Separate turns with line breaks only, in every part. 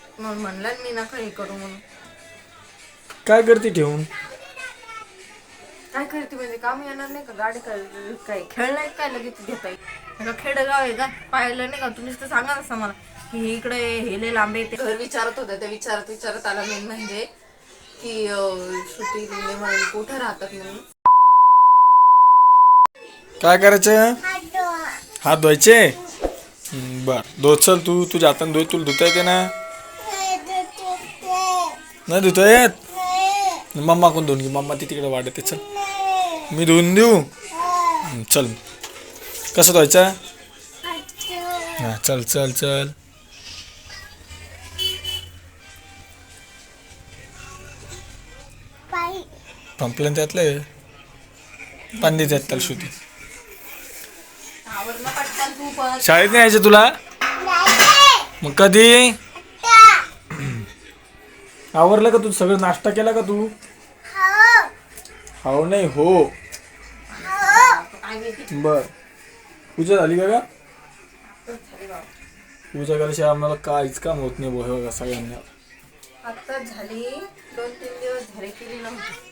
मग म्हणलं मी नका हे करू म्हणून.
काय करते ठेवून?
काय करते म्हणजे काम येणार नाही का? गाडी काय खेळणार काय लगेच घेता येईल? खेडेगाव आहे का? पाहिलं नाही का? तुम्हीच तर सांगा असं मला की इकडे हेले लांबे ते घर विचारत होते. ते विचारत आला मेन म्हणजे की श्रुती लिंबे म्हणून कुठे राहतात म्हणून.
काय करायचं? हात धुवायचे. बर धो, चल तू तुझ्या हाताने धुय, तुला धुता येते ना? नाही धुता येत? मम्मा कोण धुवून घे, मम्मा ती तिकडे वाढते. चल मी धुवून देऊ. चल कसं धुवायचं? हा चल चल चल. पंपलं त्यातलं पाणी द्यायचं त्याला श्रुती. शाळेत नाही यायचं तुला? मग कधी आवरलं का तू? सगळं नाश्ता केला का तू? हो नाही हो. बर पूजा झाली का? पूजा केल्याशिवाय आम्हाला काहीच काम होत नाही बघा सगळ्यांना.
आता झाली 2-3 दिवस झाले केली नव्हती.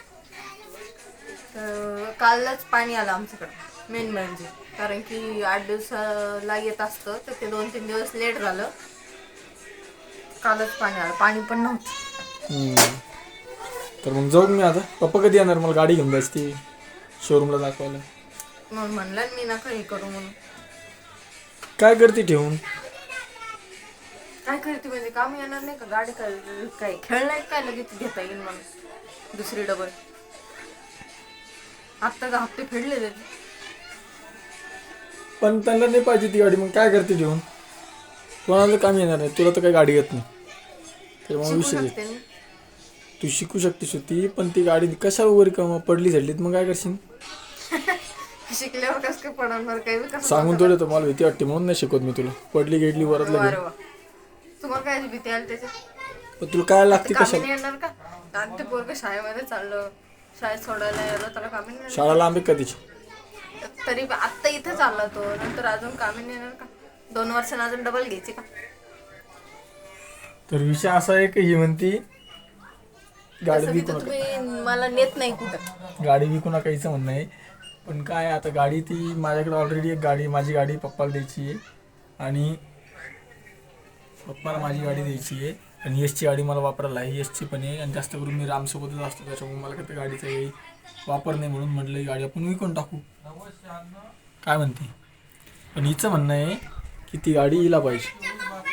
तर कालच पाणी आलं आमच्याकडं मेन म्हणजे, कारण की 8 दिवसाला येत असतं तर ते 2-3 दिवस लेट झालं. कालच पाणी आलं, पाणी पण नव्हतं.
तर मग जाऊ मी आता. पप्पा कधी येणार? मला गाडी घेऊन जायची शोरूमला दाखवायला.
मग म्हणलं मी नका हे करू म्हणून.
काय करते ठेवून?
काय करते म्हणजे काम येणार नाही का? गाडी काय खेळणार काय लगेच घेता येईल म्हणून दुसरी डबल. आत्ता का हप्ते फेडले
पण त्यांना नाही पाहिजे ती गाडी, मग काय करते ठेवून? कोणाला काम येणार नाही, तुला तर काही गाडी येत नाही. तर मग विषय तू शिकू शकतेस होती, पण ती गाडी कशा वगैरे का पडली झडलीत मग काय करशील?
शिकल्यावर कसं काय पडणार? काही
सांगून थोडं तर मला भीती वाटते म्हणून नाही शिकवत मी तुला. पडली गेडली वरत लागेल.
तुम्हाला काय भीती आली त्याच्यात?
पण तुला काय लागते कशाला?
येणार का? ते पोरग शाळेमध्ये चाललं, शाळेत सोडायला यायला त्याला कामी नाही.
शाळा लांब आहे कधीची?
तरी आत्ता इथं चालला तो, नंतर अजून कामी नाही येणार का? 2 वर्षांनी अजून डबल घ्यायची का?
तर विषय असा आहे की ही म्हणती गाडी विकू नका.
तुम्ही मला नेत नाही कुठं.
गाडी विकू नका हिचं म्हणणं आहे. पण काय आता गाडी ती माझ्याकडे ऑलरेडी एक गाडी, माझी गाडी पप्पाला द्यायची आहे आणि पप्पाला माझी गाडी द्यायची आहे आणि यशची गाडी मला वापरायला आहे. यशची पण आहे आणि जास्त करून मी रामसोबतच असतो, त्याच्यामुळे मला काही गाडीचा काही वापर नाही, म्हणून म्हटलं ही गाडी आपण विकून टाकू. काय म्हणते? पण हिचं म्हणणं आहे की ती गाडी हिला पाहिजे.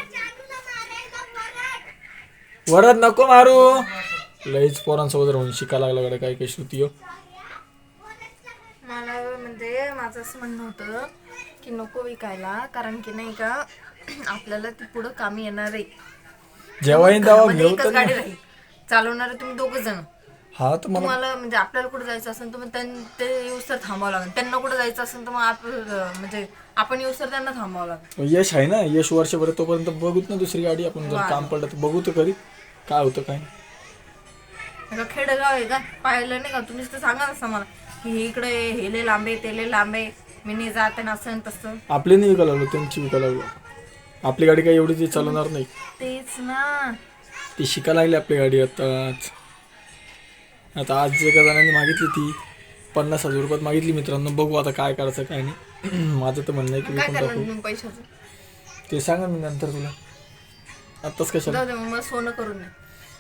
वरद नको मारू. लईच पोरांसोबत राहून शिकायला लागला गाडी. काय श्रुती हो.
मला म्हणजे माझं असं म्हणणं होतं की नको विकायला, कारण की नाही का आपल्याला ती पुढं कामी येणार आहे.
जेव्हा घेऊ तर
गाडी राहील चालवणारे तुम्ही 2 जण.
हा तर
तुम्हाला म्हणजे आपल्याला कुठे जायचं असेल तर मग ते येऊसर थांबावं लागेल. त्यांना कुठे जायचं असेल तर मग म्हणजे आपण येऊसर त्यांना थांबावं लागेल.
यश आहे ना, यश वर्षभर तोपर्यंत बघूत ना दुसरी गाडी. आपण जर काम पडलं तर बघू तर खरी काय होतं काय.
खेडेगाव आहे का? पाहिलं नाही का? तुम्हीच तर सांगा असं मला की इकडे हेले लांबे तेले लांबे, मी नाही जाते ना असं तसं.
आपली नाही विकायला लागलो, त्यांची विकायला लागलो. आपली गाडी काय एवढी ती चालवणार नाही.
तेच ना,
ती शिकायला लागली आपली गाडी आताच. आता आज एका जणांनी मागितली ती 50,000 रुपयात मागितली. मित्रांनो बघू आता काय करायचं काय नाही. माझं तर म्हणणं आहे की विकून टाकू.
पैशाचं
ते सांगा मी नंतर तुला, आत्ताच कशाला.
जाऊ दे मग सोनं करून दे.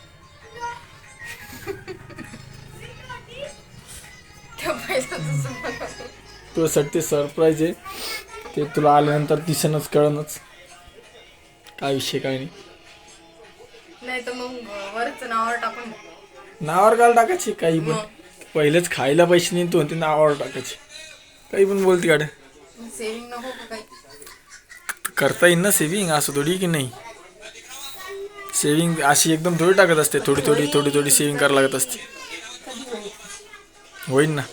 तुझ्यासाठी सरप्राईज आहे, ते तुला आल्यानंतर दिसेनच कळणच काय विषय काय नाही.
नाही तर मग वरच नावावर टाकून
नावावर काल टाकायची काही पण. पहिलेच खायला पैसे नाही, तू म्हणते नावावर टाकायची. काही पण बोलते गाड्या.
सेविंग नको का काही?
करता येईल ना सेविंग, असं थोडी की नाही. सेविंग अशी एकदम थोडी टाकत असते, थोडी थोडी थोडी थोडी सेविंग करायला लागत असते. होईल ना.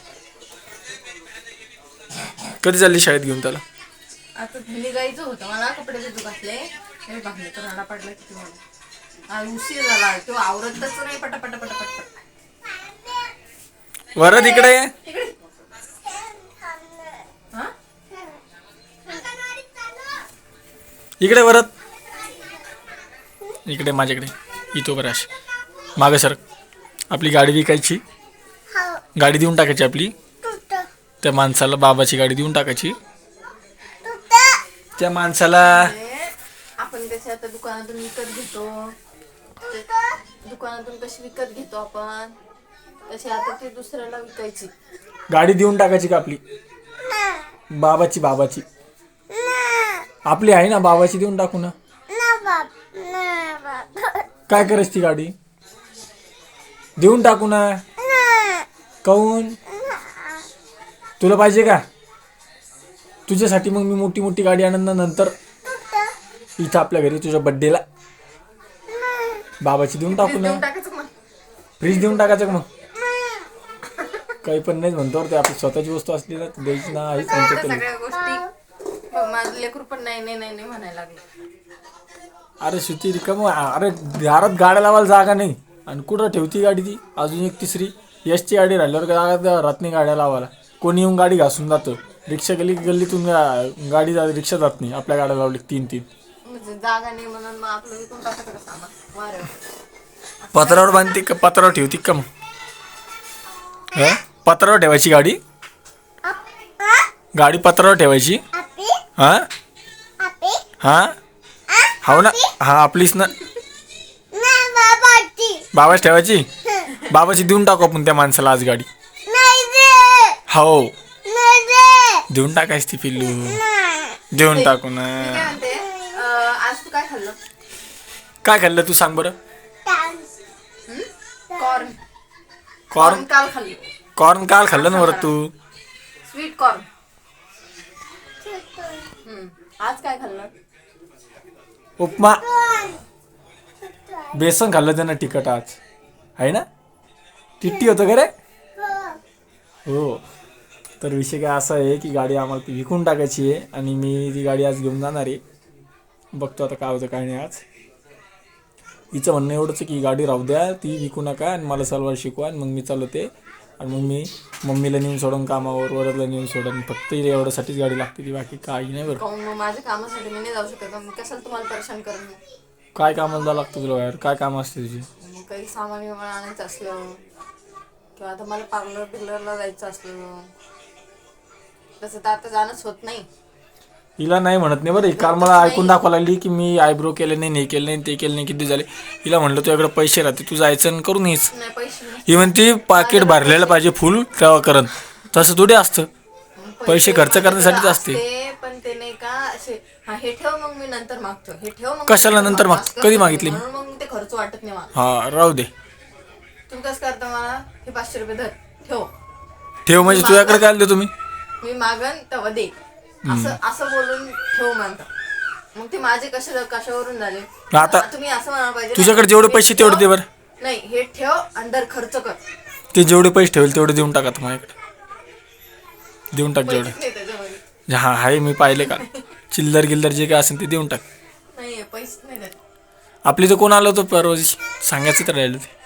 कधी चालली शाळेत घेऊन त्याला?
आता निघायचं होतं मला, कपडे बिजू घातले तर राडा पडला किती मला. उशीर झाला, तो आवरतच नाही पटापट पटापट.
वरद इकडे ये. इकडे वरद इकडे माझ्याकडे इथं बरं अशी मागं सर आपली गाडी विकायची, गाडी देऊन टाकायची आपली त्या माणसाला, बाबाची गाडी देऊन टाकायची त्या माणसाला.
आपण कशी आता दुकानातून विकत घेतो, दुकानातून कशी विकत घेतो आपण, तशी आता ती दुसऱ्याला विकायची.
गाडी देऊन टाकायची का आपली बाबाची, बाबाची आपली आहे ना, बाबाची देऊन टाकू ना. काय करायची ती गाडी देऊन टाकू ना. काऊन तुला पाहिजे का? तुझ्यासाठी मग मी मोठी मोठी गाडी आणून ना नंतर इथं आपल्या घरी तुझ्या बड्डेला बाबाची देऊन टाकू ना.
देऊन टाकायचं मग.
फ्रीज देऊन टाकायचं का मग? काही पण नाही म्हणतो ते, आपली स्वतःची वस्तू असली ना द्यायची ना. हेच
आता
म्हणतो
सगळ्या गोष्टी माझं लेकरू पण नाही नाही नाही नाही म्हणायला लागलं.
अरे सुती रिकाम, अरे दारात गाड्या लावायला जागा नाही आणि कुठं ठेवती गाडी ती. अजून एक तिसरी यशची गाडी राहिल्यावर जागा राहत नाही गाड्या लावायला. कोणी येऊन गाडी घासून जातं. रिक्षा गल्लीतून गाडी रिक्षा जात नाही. आपल्या गाड्या लावली 3-3
म्हणजे जागा नाही म्हणून मग आपलं विकून टाकायचं का सामान. वारे
पत्रावर बांधते का पत्रावर ठेवती का मग? पत्रावर ठेवायची गाडी, गाडी पत्रावर ठेवायची. हा हा हो ना, हा आपलीच ना. बाबाच ठेवायची, बाबाची देऊन टाकू आपण त्या माणसाला आज गाडी. हो देऊन टाकायची ती पिल्लू, देऊन टाकू ना.
काय म्हणते, आज तू काय खाल्लं?
काय खाल्लं तू सांग बरं?
कॉर्न.
कॉर्न,
काल खाल्लं.
कॉर्न काल खाल्लं ना बरं तू?
Sweet corn. आज काय खाल्लं?
उपमा, बेसन खाल्लं त्यानं तिखट आज, आहे ना? टिट्टी होतं का रे? हो. तर विषय काय असा आहे की गाडी आम्हाला ती विकून टाकायची आहे आणि मी ती गाडी आज घेऊन जाणार आहे. बघतो आता काय होतं काय नाही. आज हिचं म्हणणं एवढंच आहे की ही गाडी राहू द्या, ती विकू नका आणि मला सलवार शिकवा आणि मग मी चालवते आणि मग मी मम्मीला नेऊन सोडून कामावर, वरदला नेऊन सोडून. फक्त एवढ्यासाठीच गाडी लागते, ती बाकी काही नाही बरं.
मग माझ्या कामासाठी मी नाही जाऊ शकत. मग कशाला तुम्हाला परेशान करून?
काय कामाला जावं लागतं तुला बाहेर? काय काम असते तुझी?
मग काही सामान विमान आणायचं असलं किंवा आता मला पार्लर बिर्लरला जायचं असलं, तसं तर आता जाणंच होत नाही.
हिला नाही म्हणत नाही बरं. काल मला ऐकून दाखवा लागली की मी आयब्रो केले नाही, हे केलं नाही, ते केलं नाही, किती झाले. हिला म्हणलं तुझ्याकडे पैसे राहते, तू जायचं आणि करून येच.
नाही पैसे नाही.
ही म्हणती पाकिट भरलेलं पाहिजे फुल तेव्हा करन. तसं थोडी असतं, पैसे खर्च करण्यासाठीच असते.
पण ते नाही का असे, हा हे ठेव मग मी नंतर मागतो, हे ठेव मग
कशाला नंतर मागतो? कधी मागितली?
म्हणून मग ते खर्च वाटत नाही मला.
हा राहू दे.
तुम्ही कसं करता मला, हे 500 रुपये धर ठेव.
ठेव म्हणजे तुझ्याकडे काय देतो तुम्ही?
मी मागन तेव्हा दे, असं असं बोलून ठेव म्हणता. मग ते माझे कशावरून झाले?
आता
तुम्ही असं म्हणायला पाहिजे
तुझ्याकडे जेवढे पैसे तेवढे दे बरं.
नाही हे ठेव आणि दर खर्च कर.
ते जेवढे पैसे ठेवेल तेवढे देऊन टाका माझ्याकडे. देऊन टाक जेवढे.
पैसेच नाही त्याच्यामध्ये.
हा आहे, मी पाहिले का. चिल्लर गिल्लर जे काय असेल ते देऊन टाक.
नाही पैसे नाही त्यात.
आपली तर कोण आलं होतं परवा दिवशी, सांगायचं तर राहिलं ते.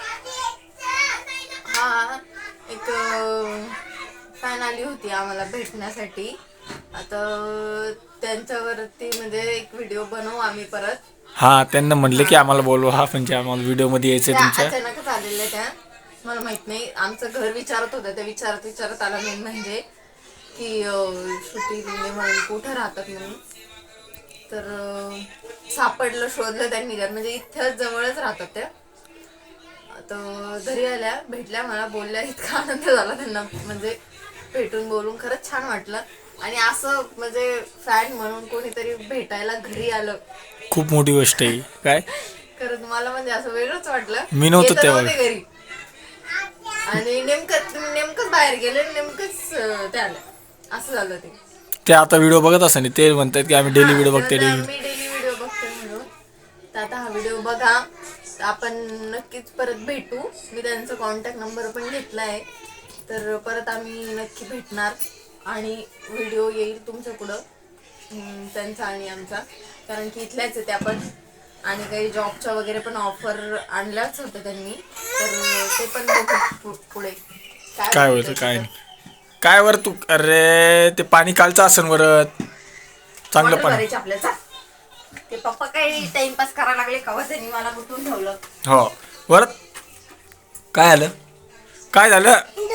हा एक फॅन आली होती आम्हाला भेटण्यासाठी. आता त्यांच्यावरती म्हणजे एक व्हिडिओ बनवू आम्ही परत.
हा त्यांना म्हणले की आम्हाला बोलवा, हा म्हणजे आम्हाला व्हिडिओ मध्ये यायचंय
त्या
तुमच्या.
अचानकच आलेल्या त्या, मला माहित नाही. आमचं घर विचारत होतं, त्या विचारत आला मेन म्हणजे की श्रुती लिंगे म्हणून कुठं राहतात म्हणून. तर सापडलं, शोधलं त्यांनी घर, म्हणजे इथं जवळच राहतात त्या. तर घरी आल्या, भेटल्या, मला बोलल्या. इतका आनंद झाला त्यांना, म्हणजे भेटून बोलून खरंच छान वाटलं. आणि असं म्हणजे फॅन म्हणून कोणीतरी भेटायला घरी आलं,
खूप मोठी गोष्ट आहे. काय
खरंच मला म्हणजे असं वेगळंच वाटलं.
मी नव्हतो
येत
तेव्हा
नव्हते घरी आणि नेमकंच बाहेर गेले, नेमकंच ते आलं, असं झालं ते.
ते आता व्हिडिओ बघत असं ते म्हणतात की आम्ही डेली व्हिडिओ बघते, डेली.
मी डेली व्हिडिओ बघते म्हणून. तर आता हा व्हिडिओ बघा, आपण नक्कीच परत भेटू. मी त्यांचा कॉन्टॅक्ट नंबर पण घेतला आहे. तर परत आम्ही नक्की भेटणार आणि व्हिडिओ येईल तुमच्या पुढं त्यांचा आणि आमचा, कारण की इथल्याच आहे त्या पण. आणि काही जॉबच्या वगैरे पण ऑफर आणल्याच होत्या त्यांनी, तर ते पण बघू पुढे
काय होतं काय नाही. काय वर तू, अरे ते पाणी कालचं असेल वरत, चांगलं पाणी.
आपल्याचा ते पप्पा काही टाइमपास करायला लागले कवा त्यांनी मला गुंतवून ठेवलं.
हो परत काय आलं काय झालं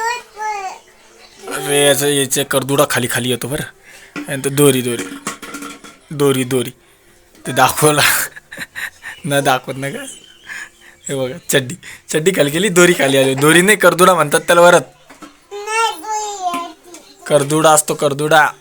अरे याचे करदुडा खाली खाली येतो बरं आणि तो दोरी दोरी दोरी दोरी ते दाखवला न दाखवत ना का हे बघा चड्डी चड्डी खाली गेली दोरी खाली आली दोरी नाही करदुडा म्हणतात त्याला वरत करदुडा असतो करदुडा